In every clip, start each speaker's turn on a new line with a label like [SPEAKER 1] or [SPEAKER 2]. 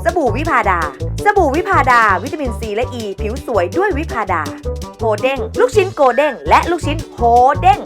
[SPEAKER 1] บู่วิพาดา สบู่วิพาดา วิตามินซีและอ e, ีผิวสวยด้วยวิพาดาโฮเด้งลูกชิ้นโกเด้งและลูกชิ้นโฮเด้ง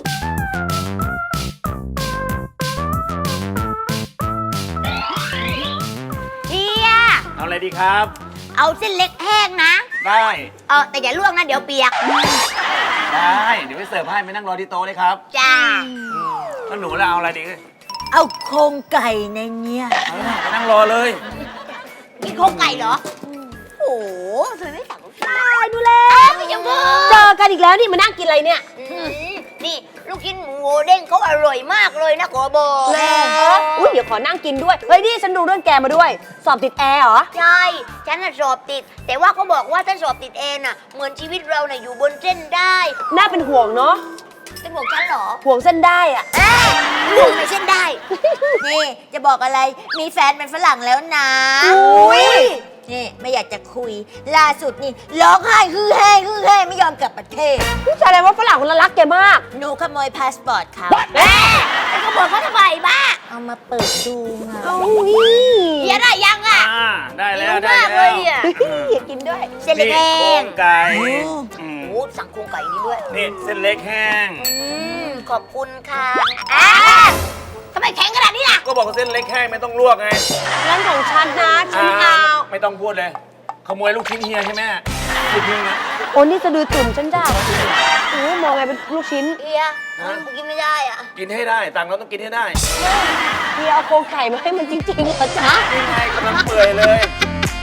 [SPEAKER 2] เฮีย
[SPEAKER 3] เอาอะไรดีครับ
[SPEAKER 2] เอาเส้นเล็กแห้งนะ
[SPEAKER 3] ได้
[SPEAKER 2] แต่อย่าลวกนะเดี๋ยวเปียก
[SPEAKER 3] ได้ เดี๋ยวไปเสิร์ฟให้ไปนั่งรอที่โต๊ะเลยครับ
[SPEAKER 2] จ้า
[SPEAKER 3] แล้วหนูล่ะเอาอะไรดี
[SPEAKER 4] เอาโครงไก่ในเนี้ย
[SPEAKER 3] ไปนั่งรอเลย
[SPEAKER 2] กินโครงไก่เหรอ โอ้โหทำไมไม่สั่งลูกชิ้น
[SPEAKER 4] ตายดูแล้ว
[SPEAKER 2] ไม่ยังเพิ่
[SPEAKER 4] เจอกันอีกแล้วนี่มานั่งกินอะไรเนี่ย
[SPEAKER 2] นี่ลูกชิ้นหมูโหเด้งเขาอร่อยมากเลยนะขอบอก
[SPEAKER 4] แม่อุ้ยเดี๋ยวขอนั่งกินด้วย เฮ้ยนี่ฉันดูเรื่องแกมาด้วย สอบติดแอร์เหรอ
[SPEAKER 2] ใช่ ฉันน่ะสอบติด แต่ว่าเขาบอกว่าถ้าสอบติดเองน่ะ เหมือนชีวิตเราน่ะอยู่บนเส้นได้
[SPEAKER 4] น่าเป็นห่วงเนาะ
[SPEAKER 2] เป็นบอกฉันเหรอ
[SPEAKER 4] ห่วงเส้นได้อะ
[SPEAKER 2] ห่วงในเส้นได้
[SPEAKER 4] นี่จะบอกอะไร มีแฟนเป็นฝรั่งแล้วนะ
[SPEAKER 2] อุ้ย
[SPEAKER 4] นี่ไม่อยากจะคุย ล่าสุดนี่ร้องไห้ฮือแห้ฮือแห้ไม่ยอมกลับประเทศ
[SPEAKER 5] ผู้ชายอะไรว่าฝรั่งคนละรักแกมาก
[SPEAKER 4] หนูขโมยพาสปอร์ตเขา
[SPEAKER 2] แม่แล้วเขาบอกเขาทำไมบ้า
[SPEAKER 4] เอามาเปิดดูไง
[SPEAKER 5] เอานี่
[SPEAKER 2] เฮียได้ยังอ่ะ
[SPEAKER 3] ได้แล้ว
[SPEAKER 2] หิว
[SPEAKER 3] ได้
[SPEAKER 2] มากเล
[SPEAKER 3] แล้
[SPEAKER 2] ยว อ่ะ
[SPEAKER 5] อยากกินด้วย
[SPEAKER 2] เส้นเล็กแห้
[SPEAKER 3] โครง งไก่อืม
[SPEAKER 2] โอ้สั่งโครงไก่นี้ด้วย
[SPEAKER 3] นี่เส้นเล็กแห้ง
[SPEAKER 2] ขอบคุณค่ะทำไมแข็งขนาดนี้ล่ะ
[SPEAKER 3] ก็บอกว่าเส้นเล็กแห้งไม่ต้องลวกไง
[SPEAKER 5] ร้านของฉันนะฉันเอา
[SPEAKER 3] ไม่ต้องพูดเลย ขโมยลูกชิ้นเฮียใช่ไหมลูกชิ้นนะ
[SPEAKER 5] โอ้นี่สะดือตุ่มฉันจ้าโอ้มองไงเป็นลูกชิ้น
[SPEAKER 2] เฮียมันกินไม่ได้อ่ะ
[SPEAKER 3] กินให้ได้ตังค์เราต้องกินให้ได้
[SPEAKER 5] เฮียเอาโครงไก่มาให้มันจริงๆเหรอจ๊ะ
[SPEAKER 3] นี่ไงกำลังเปื่อยเลย